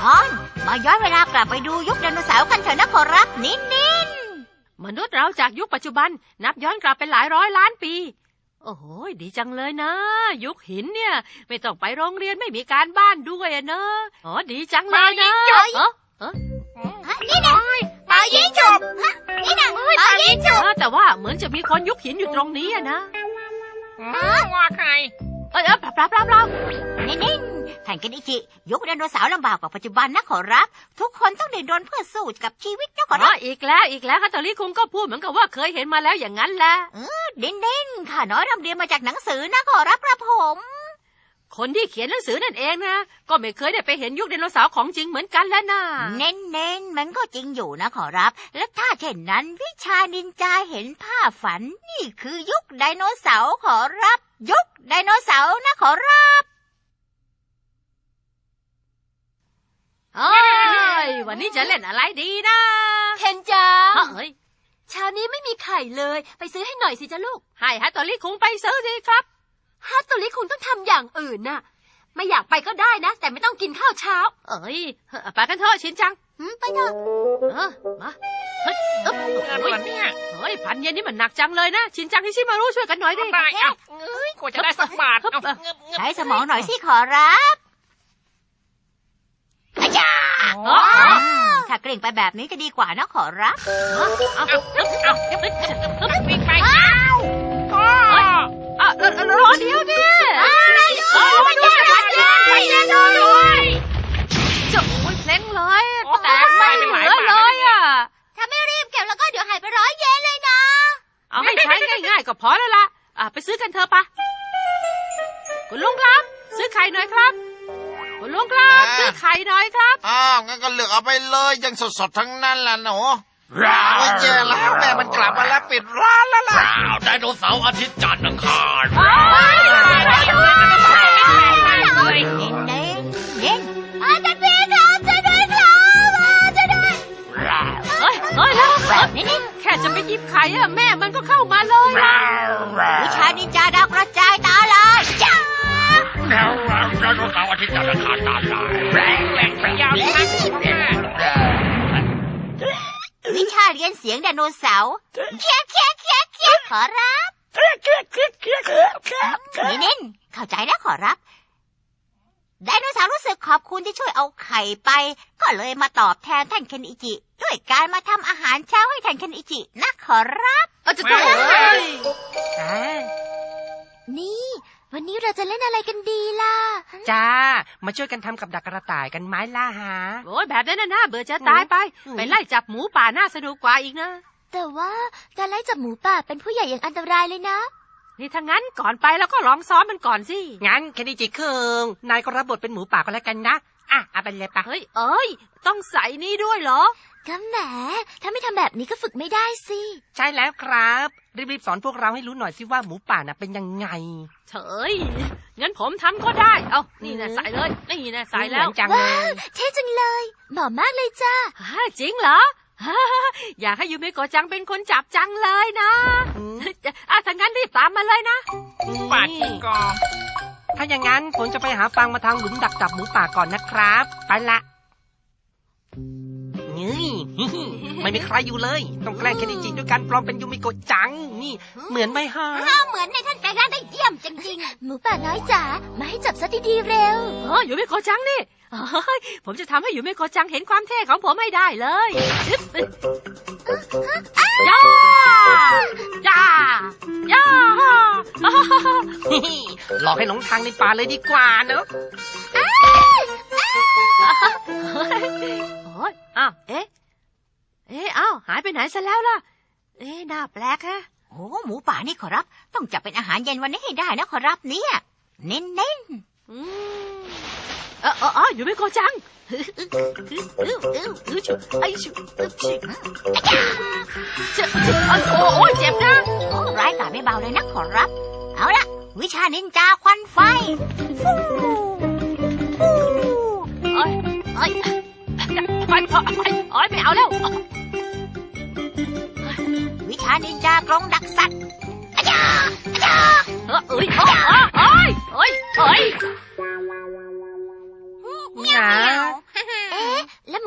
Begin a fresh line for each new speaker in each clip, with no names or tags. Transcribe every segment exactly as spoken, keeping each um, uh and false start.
ช้อนมาย้อนเวลากลับไปดูยุคไดโนเสาร์กันเถอะนะขอรับนินนิน
มนุษย์เราจากยุคปัจจุบันนับย้อนกลับไปหลายร้อยล้านปีโอ้โหดีจังเลยนะยุคหินเนี่ยไม่ต้องไปโรงเรียนไม่มีการบ้านด้วยนะอ๋อดีจังเลยนะเออเออ
นี่นะปายิงจบนี่นะปายิงจบ
แต่ว่าเหมือนจะมีคนยุคหินอยู่ตรงนี้อะนะ
ว่าใคร
เออเออปรับปรับปรับปรับ
นินนินท่านเคนอิจิยุคไดโนเสาร์ลำบากกว่าปัจจุบันนะขอรับทุกคนต้องเดินรนเพื่อสู้กับชีวิตนะขอรับ
อีกแล้วอีกแล้วฮัตโตริคุงก็พูดเหมือนกับว่าเคยเห็นมาแล้วอย่างนั้นแหละ
เออนินนินข้าน้อยรำเรียนมาจากหนังสือนะขอรับกระผม
คนที่เขียนหนังสือนั่นเองนะก็ไม่เคยได้ไปเห็นยุคไดโนเสาร์ของจริงเหมือนกันแล้วนะ
เน้นเน้นมันก็จริงอยู่นะขอรับและถ้าเช่นนั้นวิชานินจาเห็นภาพฝันนี่คือยุคไดโนเสาร์ขอรับยุคไดโนเสาร์นะขอรับ
เอ้ยวันนี้จะเล่นอะไรดีนะ
เคนจัง
เฮ้ย
เช้านี้ไม่มีไข่เลยไปซื้อให้หน่อยสิจ้ะลูก
ให้ฮัตโตริคุงไปซื้อสิครับ
ฮัตโตริคุงต้องทำอย่างอื่นน่ะไม่อยากไปก็ได้นะแต่ไม่ต้องกินข้าวเช้า
เอ้ยไปกันเถอะชินจัง
ไปเถอะ
เออมาเฮ้ยเอ๊บเฮ้ยเนี่ยเฮ้ยพันเย็นนี่มันหนักจังเลยนะชินจังฮิชิมารุช่วยกันหน่อยดิ
ได้อ่ะเอ้ยกว่าจะได้สักบาท
ใช้สมองหน่อยสิขอรับอาจารย์ถ้าเกรงไปแบบนี้ก็ดีกว่านะขอรับ
เอาเอาเอาวิ่งไป
พ่ออ่ะรอเดี๋ยวดิ
เออมาด้วยไปด้วย
จะโอ้ยเพลงเลยแตกไปเป็นหลายบาทเลยอ่ะ
ถ้าไม่รีบเก็บแล้วก็เดี๋ยวหายไปร้อยเยนเลยนะ
เอาให้ใช้ง่ายๆก็พอแล้วล่ะอ่ะไปซื้อกันเถอะปะคุณลุงครับซื้อไข่หน่อยครับคุณลุงครับซื้อไข่หน่อยครับ
อ้าวงั้นก็เลือกเอาไปเลยยังสดๆทั้งนั้นแหละหนูร้าวเย่แล้วแม่มันกลับมาแล้วปิดร้านแล้วล่ะ
ไดโนเสาร์อาทิตย์จันทร์อังคาร
เน้นเน้นอาจารย์พี่ครับช่วยด้วยครับช่วยด้วย
เฮ้ยเฮ้ยแล้วนี่นี่แค่จะไปหยิบไข่อะแม่มันก็เข้ามาเลย
วิชานินจาดาวกระจายตาลายจ้า
แล้วไดโนเสาร์อาทิตย์จันทร์อังคารตาลาย
แรงแรงพยายามนะ
วิชาเรียนเสียงไดโนเสาร์เคี้ยเคี้ยเคี้ยเคี้ยขอรับนี่นินเข้าใจนะขอรับไดโนเสาร์รู้สึกขอบคุณที่ช่วยเอาไข่ไปก็เลยมาตอบแทนท่านเคนอิจิด้วยการมาทำอาหารเช้าให้ท่านเคนอิจินะขอรับ
เอาจะต้องเลย
นี่วันนี้เราจะเล่นอะไรกันดีล่ะ
จ้ามาช่วยกันทำกับดักกระต่ายกันไหมล่ะฮะ
โอ้ยแบบนั้นน่ะเบื่อจะตายไปไปไล่จับหมูป่าน่าสนุกกว่าอีกนะ
แต่ว่าการไล่จับหมูป่าเป็นผู้ใหญ่อย่างอันตรายเลยนะ
นี่ถ้างั้นก่อนไปแล้วก็ลองซ้อมมันก่อนสิ
งั้นเคนอิจิคุงนายก็รับบทเป็นหมูป่าก็แล้วกันนะอ่ะเอาไปเลยปะ
เฮ้ยเอ้ยต้องใส่นี่ด้วยเหรอ
ก็แหมถ้าไม่ทำแบบนี้ก็ฝึกไม่ได้สิ
ใช่แล้วครับรีบๆสอนพวกเราให้รู้หน่อยสิว่าหมูป่าน่ะเป็นยังไง
เฉยงั้นผมทำก็ได้เอานี่นะใส่เลยนี่นะใส่แล้ว
ว้าวเท่จังเลยเหมาะมากเลยจ้า
จริงเหรออยากให้ยูเมโกะจังเป็นคนจับจังเลยนะอ่ะถ้างั้นรีบตามมาเลยนะ
ป่าจิงกอ
ถ้าอย่างนั้นผมจะไปหาฟังมาทางหลุมดักจับหมูป่าก่อนนะครับไปละนี่ไม่มีใครอยู่เลยต้องแกล้งเคนอิจิด้วยการปลอมเป็นยูมิโกะจังนี่เหมือนไหมฮะ
เหมือนในท่านแปลงร่างได้เยี่ยมจริง
ๆหมูป่าน้อยจ๋ามาให้จับซะดีๆเร็ว
เออยูมิโกะจังนี่ผมจะทำให้ยูมิโกะจังเห็นความเท่ของผมให้ได้เลยย่าย่าย่า
หลอกให้หลงทางในป่าเลยดีกว่าเนอะ
โอ้ยอ้าวเอ๊ะเอ๊ะอ้าวหายไปไหนซะแล้วล่ะเอ๊ะน่าแปลกฮะ
โอ้หมูป่านี่ขอรับต้องจับเป็นอาหารเย็นวันนี้ให้ได้นะขอรับเนี่ยเน้นเน้น
เออเอออยู่ไม่โกจังไอ้ชุโอ้ยเจ็บนะ
ร้ายกาจไม่เบาเลยนะขอรับเอาละวิชานินจาควันไฟ
เอ้ยเอ้ยไปไปเอ้ยไม่เอาแล้ว
วิชานินจากรงดักสัตว์อาจารย์อาจารย์
เอ้ยเอ้ยเอ้ยเอ้ยเอ้ย
เมียวเอ๊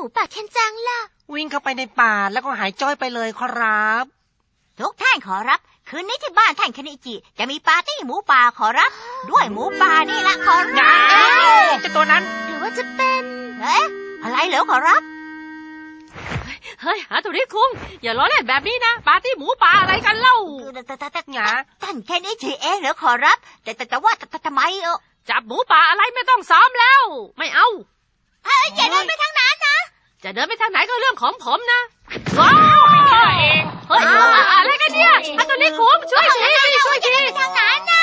ป่าเคนจังล่ะ
วิ่งเข้าไปในป่าแล้วก็หายจ้อยไปเลยครับ
ทุกท่านขอรับ คืนนี้ที่บ้านท่านเคนอิจิจะมีปาร์ตี้หมูป่าขอรับ ด้วยหมูป่านี่ละขอรับ
อย่าเจ้าตัวนั้น
หรือว่าจะเป็น
เอ๊ะอะไรเหรอขอรับ
เฮ้ยหาตัวนี้คุงอย่าล้อเล่นแบบนี้นะปาร์ตี้หมูป่าอะไรกันเล่า
แต่แต่แต่
หงา
ท่านเคนอิจิเองเหรอขอรับ แต่แต่แต่ว่าแต่ทำไมเออ
จับหมูป่าอะไรไม่ต้องซ้อมแล้ว ไม่เอา
เอ้ยอย่าเดินไปทางนั้นนะ
จะเดินไปทางไหนก็เรื่องของผมนะว้าวเฮ้ยอะไรกันเนี่ยฮาโตริคุงช่วยทีช่วยที
ทางนั้นนะ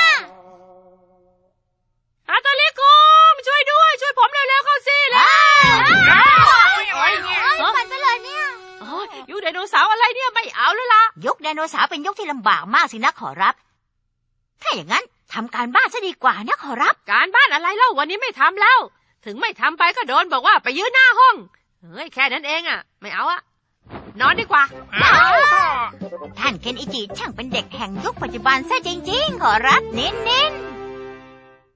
ฮาโตริคุงช่วยด้วยช่วยผมเร็วๆเข้าสิแล้ว
ไปซะเลยเนี่ย
โอ้ยยุคไดโนเสาร์อะไรเนี่ยไม่เอาแล้วล่ะ
ยุคไดโนเสาร์เป็นยุคที่ลำบากมากสินะขอรับ ถ้าอย่างนั้นทำการบ้านซะดีกว่านะขอรับ
การบ้านอะไรเล่าวันนี้ไม่ทำแล้ว ถึงไม่ทำไปก็โดนบอกว่าไปยืนหน้าห้องเฮ้ยแค่นั้นเองอ่ะไม่เอาอะนอนดีกว่า
ท่านเคนอิจิช่างเป็นเด็กแห่งยุคปัจจุบันซะจริงๆขอรับเน้นๆ